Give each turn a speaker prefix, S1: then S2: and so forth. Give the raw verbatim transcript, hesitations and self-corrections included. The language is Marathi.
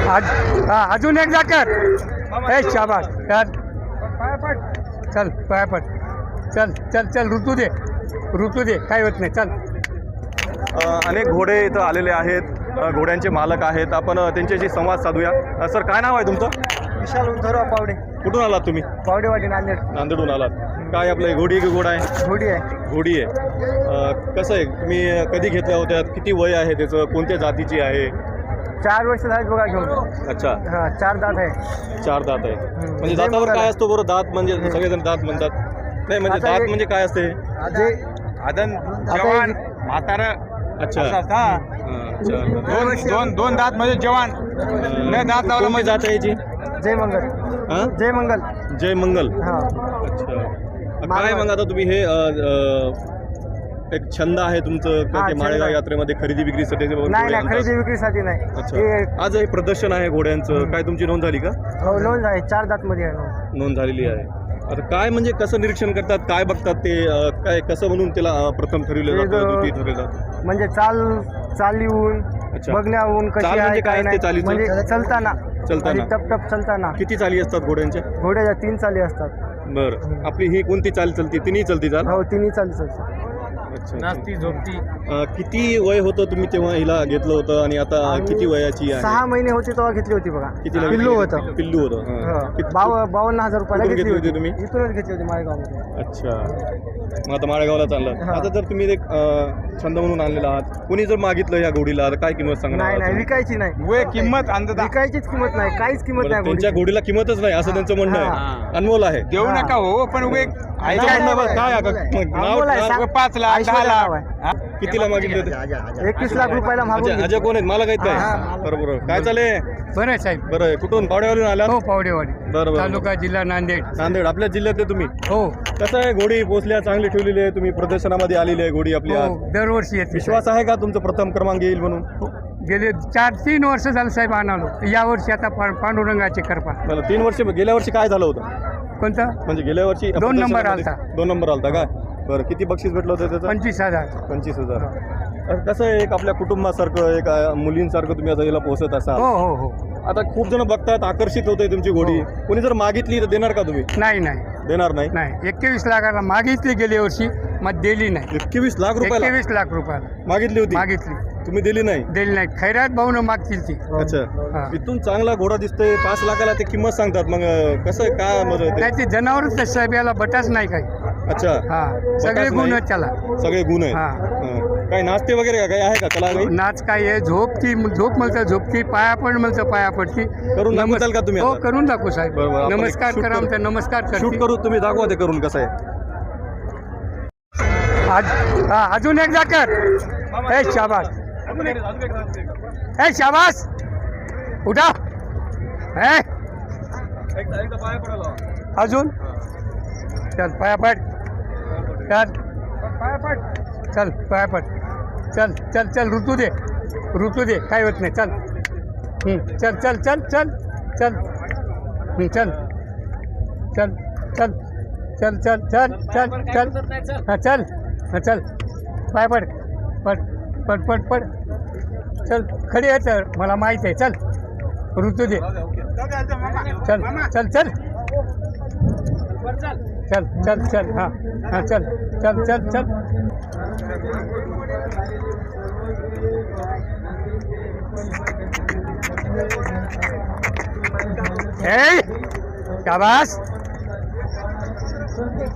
S1: आज हा अजून एकदा कर. ए शाबास कर. चल पाया पड. चल चल चल ऋतू दे ऋतू दे काय होत नाही. चल.
S2: अ, अनेक घोडे इथं आलेले आहेत. अ, घोड्यांचे मालक आहेत. आपण अ, त्यांच्याशी संवाद साधूया. अ, सर काय नाव आहे तुमचं?
S1: विशाल उंधरराव पावडे.
S2: कुठून आलात तुम्ही?
S1: पावडेवाडी नांदेड.
S2: नांदेडून आलात. काय आपलं हे घोडी की घोडा आहे?
S1: घोडी आहे.
S2: घोडी आहे. अ, कसं आहे तुम्ही कधी घेतल्या होत्या? किती वय आहे त्याचं? कोणत्या जातीची आहे?
S1: चार वर्ष झाली बघा घेऊन.
S2: अच्छा
S1: हा चार दात आहे.
S2: चार दात आहे. म्हणजे दातावर काय असतो बरं? दात म्हणजे सगळेजण दात म्हणतात. नाही म्हणजे
S1: आता
S2: दात
S1: एक-
S2: म्हणजे काय असते?
S1: जे
S3: आदन जवान म्हातारा
S2: अच्छा
S3: असतात, हा.
S2: हां, अच्छा.
S3: दोन दोन दोन दात म्हणजे जवान नाही दात लावलं
S2: कोणती
S3: म्हणजे
S2: जात आहे याची?
S1: जय मंगल.
S2: हां
S1: जय मंगल.
S2: जय मंगल.
S1: हा
S2: अच्छा. काय मग आता तुम्ही हे अ, अ, एक छंद आहे तुमचं का
S1: हा,
S2: ते
S1: छंद
S2: माळेगाव
S1: आहे.
S2: यात्रेमध्ये खरेदी विक्रीसाठी ते
S1: नाही
S2: घोडे
S1: नाही
S2: आणतात?
S1: खरेदी विक्रीसाठी नाही.
S2: अच्छा.
S1: हे
S2: आज हे प्रदर्शन आहे घोड्यांचं. काय तुमची नोंद झाली का?
S1: हो, लोन आहे. चार दात मध्ये आहे लोन.
S2: नोंद झालेली आहे. आता काय म्हणजे कसं निरीक्षण करतात? काय बघतात ते? अ, काय कसं म्हणून त्याला अ, प्रथम ठरविलं
S1: ते
S2: जातं?
S1: जो-
S2: द्वितीय ठरवलं जातं?
S1: म्हणजे चाल चाल येऊन
S2: अच्छा.
S1: बघण्याहून कशी
S2: चाल
S1: आहे
S2: म्हणजे काय
S1: काय
S2: असते
S1: नाही.
S2: चालीचं?
S1: म्हणजे चलताना
S2: चलताना.
S1: आणि टप टप चलताना
S2: किती चाली असतात घोड्यांच्या?
S1: घोड्याच्या तीन चाली असतात.
S2: बरं. आपली ही कोणती चाल चलती? तिन्ही चलती चाल?
S1: हो तिन्ही चाली चालतात.
S2: अच्छा.
S3: नाचती झोपती
S2: अ, किती वय होतं तुम्ही तेव्हा हिला घेतलं होतं आणि आता
S1: आम्ही
S2: किती वयाची आहे?
S1: सहा महिने होते तेव्हा घेतली होती बघा.
S2: कितीला
S1: पिल्लू
S2: घेतली?
S1: होतं.
S2: पिल्लू होतं. हां.
S1: हो.
S2: किती-
S1: बाव बावन्न हजार रुपयाला
S2: कुठून
S1: घेतली
S2: घेतली
S1: होती
S2: होती तुम्ही?
S1: इथूनच घेतली होती माळेगावमध्ये.
S2: अच्छा. मग आता माळेगावला चाललं.
S1: हा.
S2: आता जर तुम्ही एक अ, छंद म्हणून आणलेला आहात, कोणी जर मागितलं या घोडीला आता काय किंमत सांगणार
S1: नाही
S2: आहात
S1: नाही
S2: तुम्ही?
S1: विकायची नाही.
S3: वे किंमत अंदाज
S1: विकायचीच किंमत नाही. काहीच किंमत
S2: बरं,
S1: नाही
S2: त्यांच्या
S1: घोडीची.
S2: घोडीला किंमतच नाही असं त्यांचं म्हणणं आहे.
S3: हा.
S2: अनमोल आहे.
S3: देऊ
S1: हा.
S3: नका हो पण वे
S1: नाही,
S2: त्यांचं म्हणणं
S1: नाही,
S2: बघ, काय
S1: नाही.
S2: आता? मग नाव-
S1: अनमोल आहे,
S2: नाव-
S1: सांग.
S3: पाच लाख दहा
S1: ऐश्वर्या नाव
S3: लाख
S1: आहे.
S3: हा?
S2: कितीला मागितले होते?
S1: एकवीस लाख रुपयाला मागून
S2: अजय अजय कोण आहेत? मला काही
S1: हा.
S2: काय बरोबर काय चाले?
S1: बरं आहे साहेब.
S2: बरं आहे. कुठून? पावड्यावरून आला?
S1: हो पावडेवाडी
S2: बरं बरं
S1: तालुका जिल्हा नांदेड.
S2: नांदेड आपल्या जिल्ह्यातले तुम्ही.
S1: हो
S2: कसं आहे घोडी पोचल्या चांगली ठेवलेली आहे तुम्ही प्रदर्शनामध्ये आलेली आहे घोडी आपली आज.
S1: हो दरवर्षी येते.
S2: विश्वास आहे का तुमचं प्रथम क्रमांक येईल म्हणून?
S1: गेले चार तीन वर्ष झालं साहेब आणालो. यावर्षी आता पा- पांडुरंगाची कृपा.
S2: मला तीन वर्ष गेल्या वर्षी काय झालं होतं?
S1: कोणतं?
S2: म्हणजे गेल्या वर्षी
S1: दोन नंबर
S2: प्रदर्शनामध्ये-
S1: आलता.
S2: दोन नंबर आलता का? बरं किती बक्षीस भेटलं होतं त्याचं?
S1: पंचवीस हजार.
S2: पंचवीस हजार. अ, कसं आहे एक आपल्या कुटुंबासारखं एक अ, मुलींसारखं तुम्ही आता याला पोहोचत असाल.
S1: हो हो हो.
S2: आता खूप जण बघतात आकर्षित होते तुमची घोडी. कोणी जर मागितली तर देणार का तुम्ही?
S1: नाही नाही
S2: देणार नाही.
S1: नाही एकवीस लाखाला मागितली गेली वर्षी मग दिली नाही.
S2: एकवीस लाख रुपयाला
S1: एकवीस लाख रुपयाला
S2: मागितली होती.
S1: मागितली
S2: तुम्ही दिली नाही.
S1: दिली नाही. खैरात भाऊन मागतील ती.
S2: अच्छा.
S1: हा.
S2: इथून चांगला घोडा दिसतोय पाच लाखाला ते किंमत सांगतात. मग अ, कसं आहे काय मग ते?
S1: नाही ते जनावरच आहे साहेब. याला बटाच नाही काही.
S2: अच्छा.
S1: हा सगळे
S2: बटाच
S1: गुण
S2: नाही.
S1: आहेत त्याला.
S2: सगळे गुण आहेत.
S1: हा.
S2: हां. काही नाचते वगैरे का काही आहे का कला काही?
S1: नाच काय आहे झोपती झोप म्हणतं झोपती पाया पड म्हणतं पाया पडती.
S2: करून दाखवताल का तुम्ही
S1: हो
S2: आता?
S1: करून दाखवू साहेब.
S2: बरं, बरं. आपण एक
S1: नमस्कार
S2: shoot
S1: करा
S2: करू.
S1: म्हणतं नमस्कार
S2: शूट
S1: करते.
S2: करू तुम्ही दाखवा ते करून कसं आहे.
S1: आज हा अजून एकदा कर. ए शाबास. ए शाबास उठा. ए अजून चल पाया पड. चल पाया पड. चल पाया पड. चल चल चल ऋतू दे ऋतू दे काय होत नाही. चल हं, चल चल चल चल चल हं, चल चल चल चल चल चल चल चल हां चल हां चल पाय पड पड पड पड पड. चल खडी आहे तर मला माहीत आहे. चल ऋतू दे. चल चल चल चल चल चल हां हां चल चल चल चल. ए शाबास.